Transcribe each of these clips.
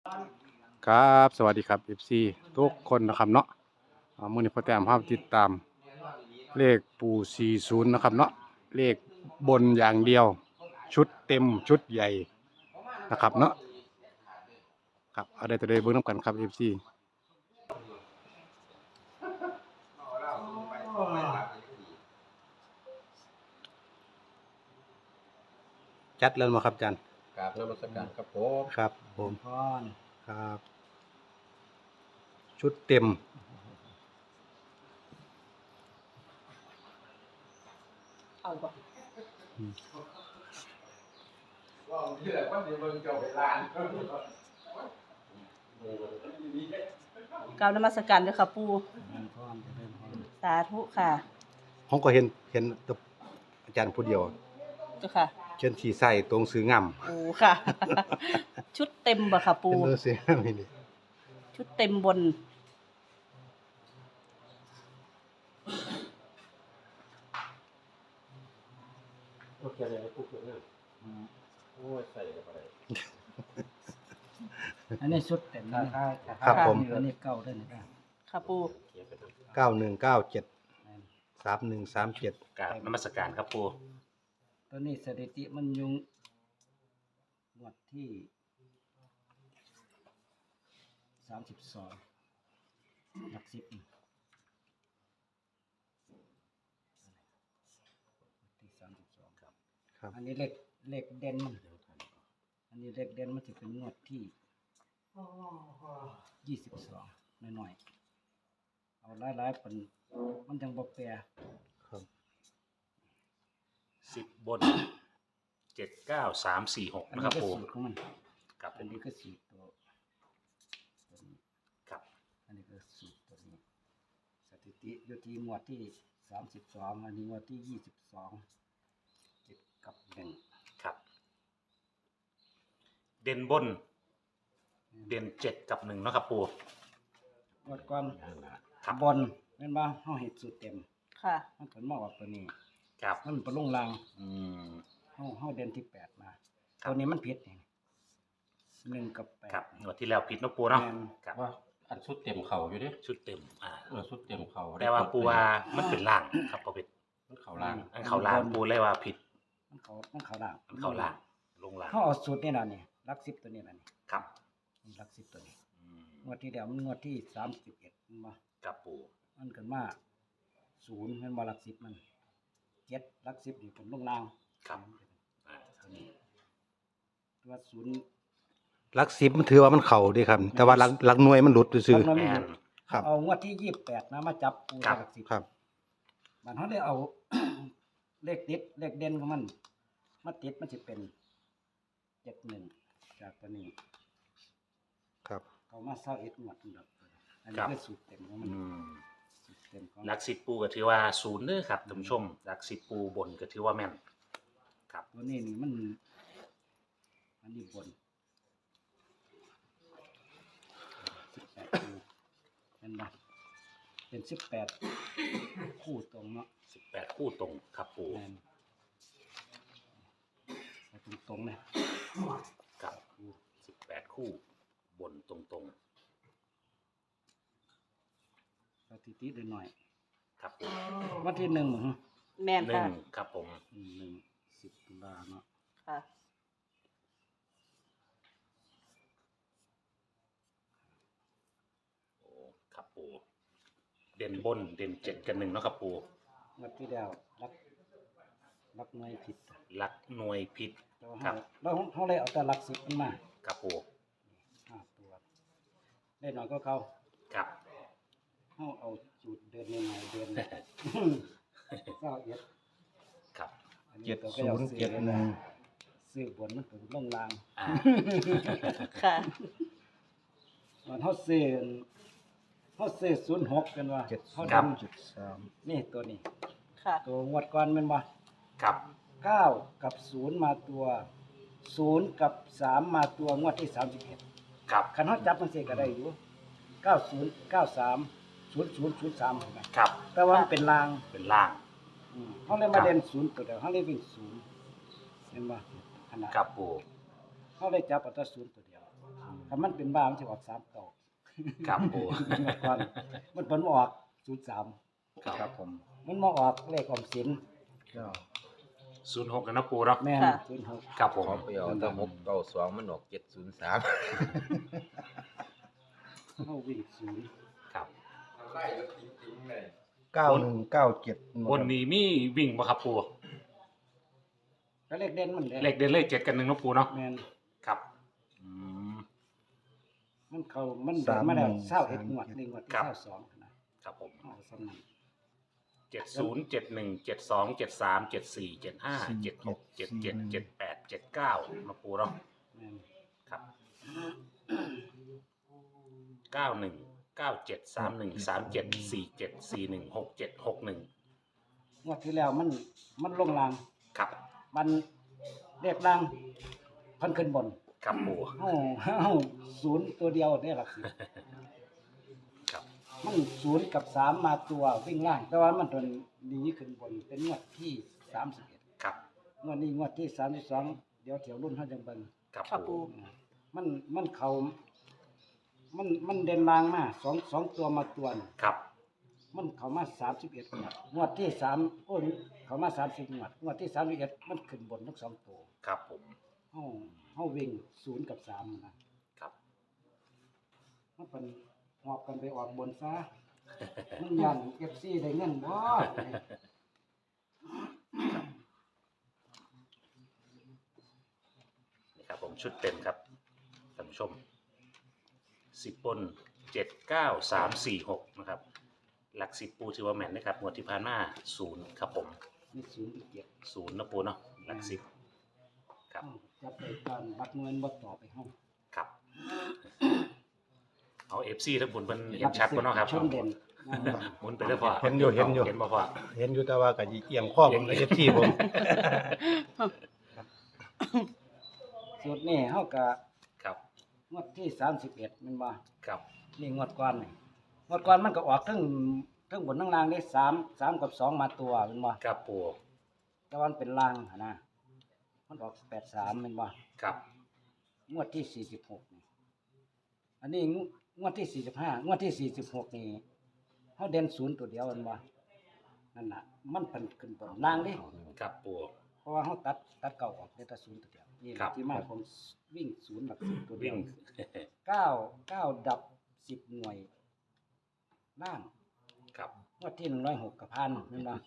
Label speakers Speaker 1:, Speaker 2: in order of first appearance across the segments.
Speaker 1: ครับสวัสดีครับ FC ทุกคนนะครับเนาะมื้อนี้พ่อแต้มพาติดตามเลขปู่40นะครับเนาะเลขบนอย่างเดียวชุดเต็มชุดใหญ่นะครับเนาะครับเอาได้ตัวใดเบิ่งนำกันครับ FC จัดแล้วมาครับอาจารย์
Speaker 2: กราบนมัสการครับผม
Speaker 1: ครับผม
Speaker 3: พร
Speaker 1: ครับชุดเต็ม
Speaker 3: เอาบ่
Speaker 2: ว่าที่แหละว่าเดี๋ยวมึงจะไปร้าน
Speaker 3: กราบนมัสการเด้อค่ะปู่
Speaker 2: พรจะเป็นพร
Speaker 3: สาธุค่ะ
Speaker 1: ผมก็เห็นแต่อาจารย์ผู้เดียว
Speaker 3: เจ้าค่ะ
Speaker 1: เช่นสีใส่ตรงซื้องาม
Speaker 3: โอ้ค่ะ ชุดเต็มบ่ค่ะปู่
Speaker 1: เป็นตัวซื้องามนี่
Speaker 3: ชุดเต็มบน
Speaker 2: โอเคเลยนะปุ๊บเนี่ยโอ้ยใส่กับอะไร
Speaker 4: อันนี้ชุดเต็มนะ
Speaker 1: ครับผม
Speaker 4: อันนี้เก่าด้วยนะ
Speaker 3: ค่ะปู่
Speaker 2: เขียนไปตรง
Speaker 1: 9197 3137
Speaker 5: กราบนมัสการครับปู
Speaker 4: ตัวนี้สถิติมันยุงงวดที่32หลัก10ที่32ครับ
Speaker 1: ครับ
Speaker 4: อันนี้เลขเด่นมันอันนี้เลขเด่นมันจะเป็นงวดที่22น้อยๆเอาหลายๆเป็นมันจังบ่แปร
Speaker 1: ครับ
Speaker 5: 10 บน 79346
Speaker 4: อัน
Speaker 5: นะค
Speaker 4: นี้
Speaker 5: รับ
Speaker 4: ก็
Speaker 5: ปู
Speaker 4: สูตรของมัน
Speaker 5: ครับ
Speaker 4: อันนี้ก็สูตรตัวนี้
Speaker 5: ครับ
Speaker 4: อันนี้ก็สูตรตัวนี้สถิติอยู่ที่หมวดที่32อันนี้หมวดที่22ติดกับ1
Speaker 5: ครับ เด่นบน เด่น7กับ1เนาะครับปู
Speaker 4: หมวดก่อน
Speaker 5: ครับ
Speaker 4: บนแม่นบ่เฮาเฮ็ดสูตรเต็ม
Speaker 3: ค่ะ
Speaker 4: มันก็มาออกตัวนี้
Speaker 5: ครับ
Speaker 4: มันไปลงราง
Speaker 5: อืม
Speaker 4: เฮาเด่นที่8มา
Speaker 5: ครับ
Speaker 4: ตัวนี้มันผิดนี่1กับ8
Speaker 5: ครับงวดที่แล้วผิดเนาะปูเนาะ
Speaker 4: แม่น
Speaker 5: ครับ
Speaker 2: ว่าอันชุดเต็มเข่าอยู่ดิ
Speaker 5: ชุดเต็ม
Speaker 2: ชุดเต็มเข่า
Speaker 5: แต่ว่าปูว่ามันเป็นล่างครับบ่เป็น
Speaker 2: เข่าล่าง
Speaker 5: อันเขาล่างปูเลยว่าผิด
Speaker 4: มันเข้าล่าง
Speaker 5: มันเขาล่างลงล่าง
Speaker 4: เฮาเอาสูตรนี่ล่ะนี่หลัก10ตัวนี้ล่ะนี่
Speaker 5: ครับ
Speaker 4: หลัก10ตัวนี้
Speaker 5: อืม
Speaker 4: งวดที่แล้วมันงวดที่31มันบ่
Speaker 5: ครับปู
Speaker 4: มันขึ้นมา0แม่นบ่หลัก10มัน7หลัก10นี่เป็นลงล่าง
Speaker 5: ครับอันนี้
Speaker 4: ตัวศูนย์
Speaker 1: หลัก10มันถือว่ามันเข้าเด้ครับ แต่ว่าหลักหน่วยมันหลุดซื่อ
Speaker 4: จำนวน
Speaker 5: แม
Speaker 4: ไม่หม
Speaker 5: น
Speaker 4: ด
Speaker 1: ครับ
Speaker 4: เอางวดที่28นะมาจับปู
Speaker 5: ครับ
Speaker 4: หลัก10
Speaker 1: ๆครับ
Speaker 4: มันเขาได้เอา เลขติดเลขเด่นของมันมาติดมันจะเป็น71จากตัวนี้
Speaker 1: ครับ
Speaker 4: เขามา21งวดนั่นดอกอัน
Speaker 5: ครั
Speaker 4: นี้
Speaker 5: บ
Speaker 4: คือสูตรเต็มของมัน
Speaker 5: อืม
Speaker 4: สูตรเต็มของ
Speaker 5: หลัก10ปูก็ถือว่า0เด้อครับท่านผู้ชมหลัก10ปูบนก็ถือว่าแม่นครับ
Speaker 4: ตัวนี้นี่มันอันนี้บน18คู่เห็นบ่เป็น18คู่ตรงเนาะ
Speaker 5: 18 คู่ตรงครับปู
Speaker 4: แม่นเอาตรงๆเลย
Speaker 5: กับ18 คู่บนตรง
Speaker 4: สถิติได้หน่อย
Speaker 5: ๆครับปู
Speaker 4: วันที่1มื้อ
Speaker 3: แม่นค่ะ
Speaker 5: 1ครับผม
Speaker 4: 10ตุลาเนาะ
Speaker 3: ค่ะ
Speaker 5: โอ้ครับปูเด่นบนเด่น7กับ1เนาะครับปู
Speaker 4: งวดที่แล้วรักหน่วยผิด
Speaker 5: หลักหน่วยผิด
Speaker 4: แต่ว่า
Speaker 5: ครับ
Speaker 4: เขาเลยเอาแต่หลัก10มันมา
Speaker 5: ครับปู
Speaker 4: 5ตัวได้น้อยก็เขา
Speaker 5: ครับ
Speaker 4: เขาเอาสูตรเดินในหน่อยเดินก็เอ็ด
Speaker 5: ครับ
Speaker 4: อันนี้ตัวก็เอาซื้อเลยนะซื้อบนมันเป็นลงราง
Speaker 5: อ่า
Speaker 3: ค่ะ
Speaker 4: มันเขาซื้อ06กันว่าเขาดำนี่ตัวนี้
Speaker 3: ค่ะ
Speaker 4: ตัวงวดก่อนแมันบ่
Speaker 5: ครับ
Speaker 4: 9กับ0มาตัว0กับ3มาตัวงวดที่31
Speaker 5: ครับ
Speaker 4: คันเขาจับมันสิก็ได้อยู่90 93 0003เห็นไหม
Speaker 5: ครับ
Speaker 4: แต่ว่ามันเป็นราง
Speaker 5: เป็นล่าง
Speaker 4: เขาเลยมาเด่น0ตัวเดียวเขาเลยวิ่ง0เห็นบ่ขนาด
Speaker 5: ครับปู
Speaker 4: เขาเลยจับเอาแต่0ตัวเดียวถ้ามันเป็นบ้ามันจะออก3ต่อ
Speaker 5: ครับปู
Speaker 4: ก่อนมันผลออก03
Speaker 5: ครับผม
Speaker 4: มันมาออกเลขออมสิน
Speaker 5: 06กันนะปูเนาะ
Speaker 4: แม่น
Speaker 3: ค่ะ
Speaker 4: 06
Speaker 5: ครับผม
Speaker 2: ขอไปเอาตะ692มันออก703
Speaker 4: เฮาวิ่งศูนย์
Speaker 5: ครับ
Speaker 2: 9197
Speaker 5: บนนี้มีวิ่งบ่ครับปู
Speaker 4: แล้วเลขเด่นมัน
Speaker 5: เลขเดินเลข7กัน1เนาะปูเนาะ
Speaker 4: แม่น
Speaker 5: ครับอืม
Speaker 4: มันเข้ามันเดินมาแล้ว21งวดนี่งวดที่
Speaker 5: ครับ
Speaker 4: 22นะครับ
Speaker 5: ผม
Speaker 4: เอาสำนั้น
Speaker 5: 70 71 72 73 74 75 76 77 78 79มาปูเนาะ
Speaker 4: แม่น
Speaker 5: ครับ91 97 31 37 47 41 67 61
Speaker 4: งวดที่แล้วมันลงล่าง
Speaker 5: ครับ
Speaker 4: มันเลขล่างเพิ่นขึ้นบน
Speaker 5: ครับปู
Speaker 4: เฮาศูนย์ตัวเดียวได้หลักสิบ
Speaker 5: ครับ
Speaker 4: มัน0กับ3มาตัววิ่งล่าง แต่ว่ามันตัวนี้ขึ้นบนเป็นงวดที่31
Speaker 5: ครับ
Speaker 4: งวดนี้งวดที่32เดี๋ยวแถวรุ่นเฮาจังเบิ่ง
Speaker 5: ครับ
Speaker 3: ค่ะ
Speaker 5: ปู
Speaker 3: ปู
Speaker 4: มันเขามันเด่นลางมาสองตัวมาตัวนี่
Speaker 5: ครับ
Speaker 4: มันเขามา31งวดที่3โอ้ยเขามา30งวดที่31มันขึ้นบนทั้ง2ตัว
Speaker 5: ครับผม
Speaker 4: เฮาวิ่ง0กับ3นะครับ มันเป็นหอบกันไปออกบนซะ มันยัน FC ได้เงินบ่
Speaker 5: นี่ครับผมชุดเต็มครับท่านผู้ชม10บน7 9 3 4 6นะครับหลัก10ปูถือว่าแม่นนะครับงวดที่ผ่านมา0ครับผม
Speaker 4: มี0กับ7
Speaker 5: 0นะปูเนาะหลัก10ครับ
Speaker 4: จับไปตอนบักเงินบ่ต่อไปเฮา
Speaker 5: ครับ เอา FC ทั้งบนมันเห็นชัดบ่เนาะครับ
Speaker 4: ชนเด่น
Speaker 5: หมุนไปเลยพ่อ
Speaker 1: เห็นอยู่
Speaker 5: เห็นบ่พ่อ
Speaker 1: เห็นอยู่แต่ว่าก็เอียงข้อผมเลยที่ผม
Speaker 4: สูตรนี้เฮาก็
Speaker 5: ครับ
Speaker 4: งวดที่31แม่นบ่
Speaker 5: ครับ
Speaker 4: นี่งวดก่อนนี่งวดก่อนมันก็ออกทั้งบนทั้งล่างได้3กับ2มาตัวแม่นบ่
Speaker 5: ครับปู
Speaker 4: แต่ว่ามันเป็นล่างหั่นนะมันออก83แม่นบ่
Speaker 5: ครับ
Speaker 4: งวดที่46นี่อันนี้งวดที่45งวดที่46นี่เฮาเด่น0ตัวเดียวแม่นบ่นั่นน่ะมันเพิ่นขึ้นบนล่างเด้
Speaker 5: ครับปู
Speaker 4: เพราะว่าเขาตัดเก่าออกได้แต่ศูนย์ตัวเดียวนี่แห
Speaker 5: ครั
Speaker 4: ละ
Speaker 5: บ
Speaker 4: ที่มาของวิ่งศูนย์หลักสิบตัวเดี
Speaker 5: วิ่
Speaker 4: ยว
Speaker 5: ง
Speaker 4: เก้าดับ10หน่วยล่าง
Speaker 5: ครับ
Speaker 4: งวดที่106กับพันนั่นนะ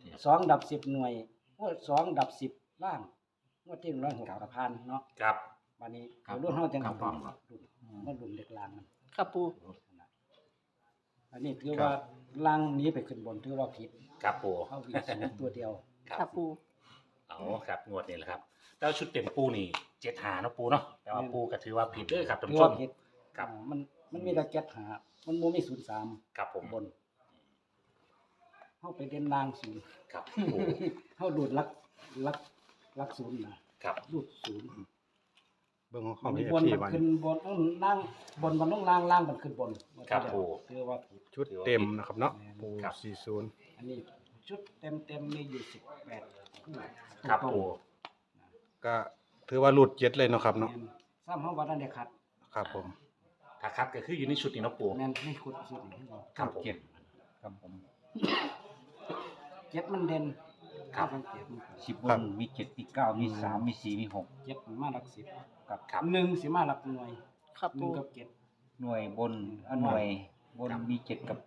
Speaker 4: 2ดับ10หน่วยงวด2ดับ10ล่างงวดที่106กับพันเนาะ
Speaker 5: ครับ
Speaker 4: วันนี้เดี๋ยวรุ่นเฮาจังรุ่นมันรุ่นเด็กล่างมัน
Speaker 3: ค่ะปู
Speaker 4: อันนี้ถือว่าล่างหนี้ไปขึ้นบนถือว่าผิด
Speaker 5: ครับปู
Speaker 4: เฮาวิ่งศูนย์ตัวเดียว
Speaker 3: ค่ะปู
Speaker 5: เอาครับงวดนี้แหละครับแล้วชุดเต็มปูนี่7หาเนาะปูเนาะแต่ว่าปูก็ถือว่าผิดเด้อครับท่าน
Speaker 4: ถือ
Speaker 5: ผู้ช
Speaker 4: ว่าม ผิด
Speaker 5: ครับ
Speaker 4: มันมีแต่7หามันบ่มี03
Speaker 5: ครับผม
Speaker 4: บนเฮาไปเด่นล่างศูนย์
Speaker 5: ครับปู
Speaker 4: เฮาดูดลักศูนย์นะครับ ดูดศูนย์
Speaker 1: เบิ่งของ
Speaker 4: มั
Speaker 1: เขา
Speaker 4: น
Speaker 1: มี
Speaker 4: บน
Speaker 1: ที่
Speaker 4: มัน
Speaker 1: วัน
Speaker 4: ขึ้นบนต้องล่างบนมันต้องล่างล่างมันขึ้นบน
Speaker 5: ครับปู
Speaker 4: คือว่าผิด
Speaker 1: ชุดเต็มนะครับเนาะปู
Speaker 5: ครับ
Speaker 1: 40
Speaker 4: อันนี้ชุดเต็มมีอยู่18คู่
Speaker 5: ครับปู
Speaker 1: ก็ถือว่าหลุด7เลยเนาะครับเนาะ
Speaker 4: แม่นซ้ำเฮาว่าทันได้ขัด
Speaker 1: ครับผม
Speaker 5: ถ้าคัดก็คืออยู่ในชุดนี้เนาะปู
Speaker 4: แม่นไม่ขุดสุดนี่ให้เรา
Speaker 5: ครับผม
Speaker 2: ครับผม
Speaker 4: เจ็ดมันเด่น
Speaker 5: ครับ
Speaker 4: สังเกตมัน
Speaker 2: 10บนมี7มี9มี3มี4มี6
Speaker 4: เจ็ดมันมาหลักสิบกับ
Speaker 5: ครับ
Speaker 4: หนึ่งสิมาหลักหน่วย
Speaker 3: ค่ะ
Speaker 4: หนึ่
Speaker 3: ปู
Speaker 4: งกับเจ็ด
Speaker 2: หน่วยบนหน่วยบนมี7กับ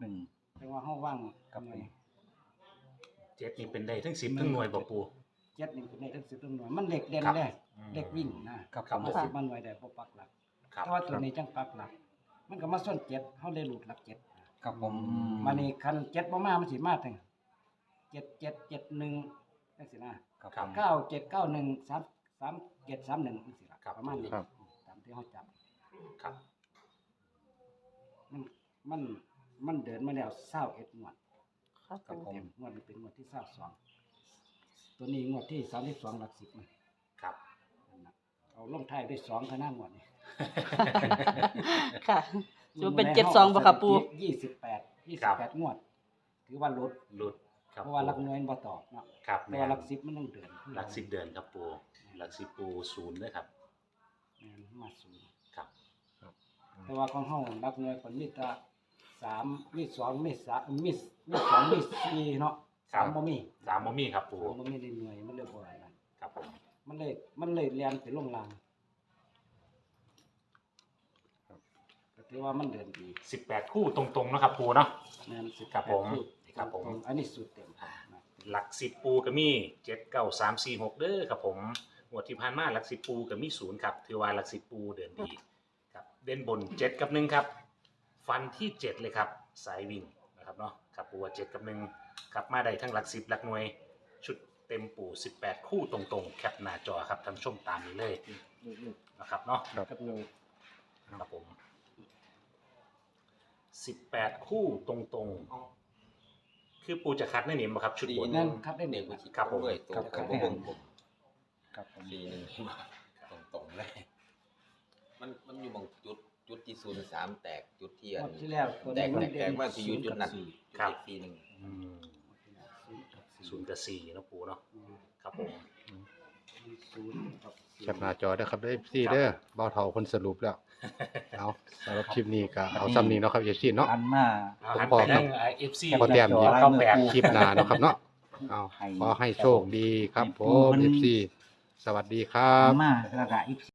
Speaker 2: 1
Speaker 4: แต่ว่าเฮาว่าง
Speaker 2: ครับ
Speaker 4: หน่วย
Speaker 5: เจ็ดนี่เป็นได้ทั้ง10ทั้งหน่วยบ่ปู
Speaker 4: เจ็ดนี่เป็นในทั้งสิบทั้งหน่วยมันเด็กเด่น
Speaker 5: ครับ
Speaker 4: เลย
Speaker 5: อืม
Speaker 4: เด็กวิ่งนะครับ
Speaker 5: ครับ
Speaker 4: เอาสิบมาหน่วยได้บ่ปักหลัก
Speaker 5: ครับ
Speaker 4: แต่ว่าตัวนี้จังปักหลัก มันก็มาส่วนเจ็ดเฮาเลยหลุดหลักเจ็ด
Speaker 2: ครับผม
Speaker 4: มานี่คันเจ็ดบ่มามันสิมาถึง7 7 7 1จังซี่นะครับ
Speaker 5: ครับ
Speaker 4: 9 7 9 1 3 3 7 3 1จังซี่ล่ะ
Speaker 5: ครับ
Speaker 4: ประมาณนี้
Speaker 1: ครับ
Speaker 4: ตามที่เฮาจับ
Speaker 5: ครับ
Speaker 4: มันมันเดินมาแล้ว21งวด
Speaker 3: ค่ะ
Speaker 4: กับ
Speaker 3: ปู
Speaker 4: เต็มงวดนี้เป็นงวดที่22ตัวนี้งวดที่32หลัก10มัน
Speaker 5: ครับ
Speaker 4: นั่นน่ะเอาลงท้ายด้วย2คะแนนงวดนี้
Speaker 3: ค่ะจะเป็น72บ่ค่ะปู
Speaker 4: 28งวด ถือว่าลด
Speaker 5: หลุดครับ
Speaker 4: เพราะว่าหลักหน่วยมันบ่ตอบเนาะ
Speaker 5: ครับ
Speaker 4: แต่ว่าหลัก10มันต้องเดิน
Speaker 5: หลัก10เดือนครับปูหลัก10ปู0ด้วยครับ
Speaker 4: แม่นมาศูนย์
Speaker 5: ครับ
Speaker 4: แต่ว่าของเฮานักหน่วยคนมีแต่3มี2มี3มี2มี4เนาะ
Speaker 5: ครับ
Speaker 4: 3บ่มี
Speaker 5: สามบ่มีครับปู
Speaker 4: สามบ่มีในหน่วยมันเลยบ่นั่น
Speaker 5: ครับผม
Speaker 4: มันเลยเรียนไปลงล่างก็ถือว่ามันเดินดี
Speaker 5: 18 คู่ตรงๆเนาะครับปูเนาะ
Speaker 4: แม่นสิ
Speaker 5: ครับผม ครับผม
Speaker 4: อันนี้สุดเต็มนะ
Speaker 5: หลัก10ปูก็มี7 9 3 4 6เด้อครับผมงวดที่ผ่านมาหลัก10ปูก็มี0ครับถือว่าหลัก10ปูเดินดีครับเด่นบน7กับ1ครับฟันที่7เลยครับสายวิ่งนะครับเนาะครับปูว่า7กับ1ครับมาได้ทั้งหลัก10หลักหน่วยชุดเต็มปู18 คู่ตรงๆแคปหน้าจอครับท่านผู้ชมตามนี้เลยนะครับเนาะ
Speaker 2: กับหนึ่ง
Speaker 5: ครับผม18 คู่ตรงๆคือปูจะคัดในนี้บ่ครับชุดบน
Speaker 4: นั่นครับได้ห
Speaker 6: เด็
Speaker 4: นึ่
Speaker 6: ก
Speaker 4: ง
Speaker 6: ผู้
Speaker 5: ครับผม
Speaker 6: ด้วยตัว
Speaker 4: ครับ
Speaker 6: กับ
Speaker 4: ครับ
Speaker 6: วงผม
Speaker 4: ครับผม
Speaker 6: สีหนึ่งตรงๆเลย มันอยู่บางจุดที่03แตกจุดที่อั
Speaker 4: ง
Speaker 6: น
Speaker 4: วดที่แล้วตัว
Speaker 6: แต
Speaker 4: นี้
Speaker 6: ก
Speaker 4: มัน
Speaker 6: แตกว่าที่อยู่จุดนั้น
Speaker 4: สี่
Speaker 6: จุด
Speaker 5: ครับ
Speaker 6: เด็กสีหนึ่ง
Speaker 5: อืม0กับ4เนาะปูเนาะครับผม
Speaker 4: ศูนย์กับ
Speaker 1: แคปหน้าจอเด้อครับเด้อ FC เด้อเบาเท่าคนสรุปแล้ว เอาสำหรับคลิปนี้ก็เอาซ้ำนี้เนาะครับ FC เนาะ
Speaker 7: อันมา
Speaker 5: เอาหันไปทาง FC
Speaker 1: พอแต้ม
Speaker 7: จ
Speaker 1: อีก
Speaker 7: ลาย
Speaker 5: เข้า
Speaker 7: มือ
Speaker 5: แปด
Speaker 7: ปู
Speaker 1: คลิปหน้าเนาะครับเนาะเอาขอให้โชคดีครับผม FC สวัสดีครับ
Speaker 7: มาแล้วก็อีก